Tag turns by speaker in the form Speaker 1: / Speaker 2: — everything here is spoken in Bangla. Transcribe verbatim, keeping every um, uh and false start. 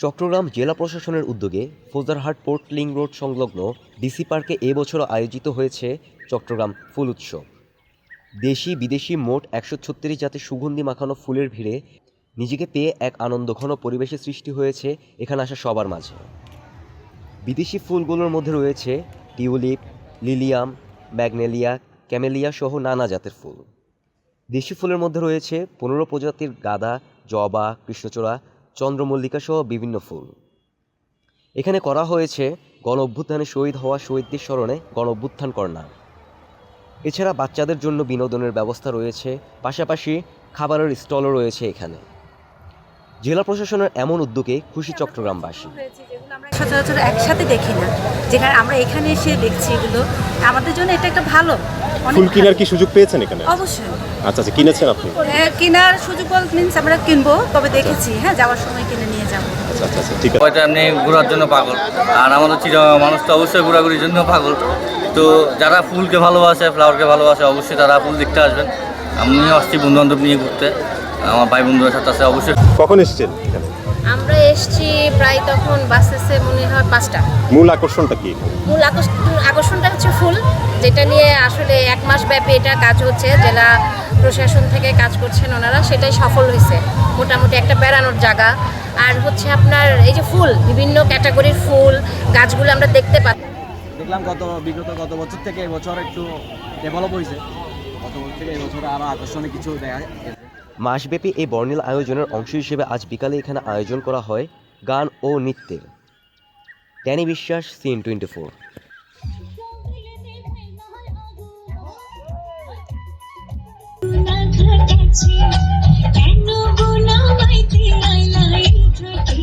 Speaker 1: চট্টগ্রাম জেলা প্রশাসনের উদ্যোগে ফৌজদারহাট পোর্ট লিং রোড সংলগ্ন ডিসি পার্কে এবছরও আয়োজিত হয়েছে চট্টগ্রাম ফুল উৎসব। দেশি বিদেশি মোট একশো ছত্রিশ জাতের সুগন্ধি মাখানো ফুলের ভিড়ে নিজেকে পেয়ে এক আনন্দঘন পরিবেশের সৃষ্টি হয়েছে এখানে আসা সবার মাঝে। বিদেশি ফুলগুলোর মধ্যে রয়েছে টিউলিপ, লিলিয়াম, ম্যাগনেলিয়া, ক্যামেলিয়া সহ নানা জাতের ফুল। দেশি ফুলের মধ্যে রয়েছে পনেরো প্রজাতির গাঁদা, জবা, কৃষ্ণচূড়া, চন্দ্রমল্লিকা সহ বিভিন্ন ফুল। এখানে করা হয়েছে গণ অভ্যুত্থানে শহীদ হওয়া শহীদদের স্মরণে গণ অভ্যুত্থান কর্নার। এছাড়া বাচ্চাদের জন্য বিনোদনের ব্যবস্থা রয়েছে, পাশাপাশি খাবারের স্টলও রয়েছে এখানে। জেলা প্রশাসনের এমন উদ্যোগে খুশি চট্টগ্রামবাসী।
Speaker 2: সচরাচর একসাথে দেখি না, যেখানে আমরা এখানে এসে দেখছি এগুলো আমাদের জন্য এটা একটা ভালো।
Speaker 3: ফুল কেনার কি সুযোগ পেয়েছেন এখানে?
Speaker 2: অবশ্যই।
Speaker 3: আচ্ছা আচ্ছা, কিনেছেন আপনি?
Speaker 2: হ্যাঁ, কেনার সুযোগ বলতে মিন্স আমরা কিনবো, তবে দেখেছি হ্যাঁ যাওয়ার সময় কিনে নিয়ে যাবো।
Speaker 3: আচ্ছা আচ্ছা আচ্ছা, ঠিক আছে।
Speaker 4: হয়তো এমনি ঘোরার জন্য পাগল, আর আমাদের চিরা মানুষ তো অবশ্যই ঘোরাঘুরির জন্য পাগল। তো যারা ফুলকে ভালোবাসে, ফ্লাওয়ারকে ভালোবাসে, অবশ্যই তারা ফুল দেখতে আসবেন। আমি আসছি বন্ধু বান্ধব নিয়ে ঘুরতে, আমার ভাই বন্ধুদের সাথে আছে অবশ্যই।
Speaker 3: কখন এসেছেন এখানে?
Speaker 5: আমরা এসছি প্রায় তখন বাস এসে মনে হয় পাঁচটা।
Speaker 3: মূল আকর্ষণটা কি?
Speaker 5: মূল আকর্ষণ আকর্ষণটা হচ্ছে ফুল, যেটা নিয়ে আসলে এক মাস ব্যাপী এটা কাজ হচ্ছে, জেলা প্রশাসন থেকে কাজ করছেন ওনারা, সেটাই সফল হয়েছে। মোটামুটি একটা বেড়ানোর জায়গা, আর হচ্ছে আপনার এই যে ফুল, বিভিন্ন ক্যাটাগরির ফুল গাছগুলো আমরা দেখতে পাই।
Speaker 6: দেখলাম গত বিগত গত বছর থেকে এবছর একটু ডেভেলপ হয়েছে, গত বছর থেকে এবছর আরও আকর্ষণীয় কিছু দেখা গেছে।
Speaker 1: মাসব্যাপী এই বর্ণিল আয়োজনের অংশ হিসেবে আজ বিকালে এখানে আয়োজন করা হয় গান ও নৃত্যের। ট্যানি বিশ্বাস, সিএন টোয়েন্টি ফোর।
Speaker 7: কেন গোনা মাইতে আইলাই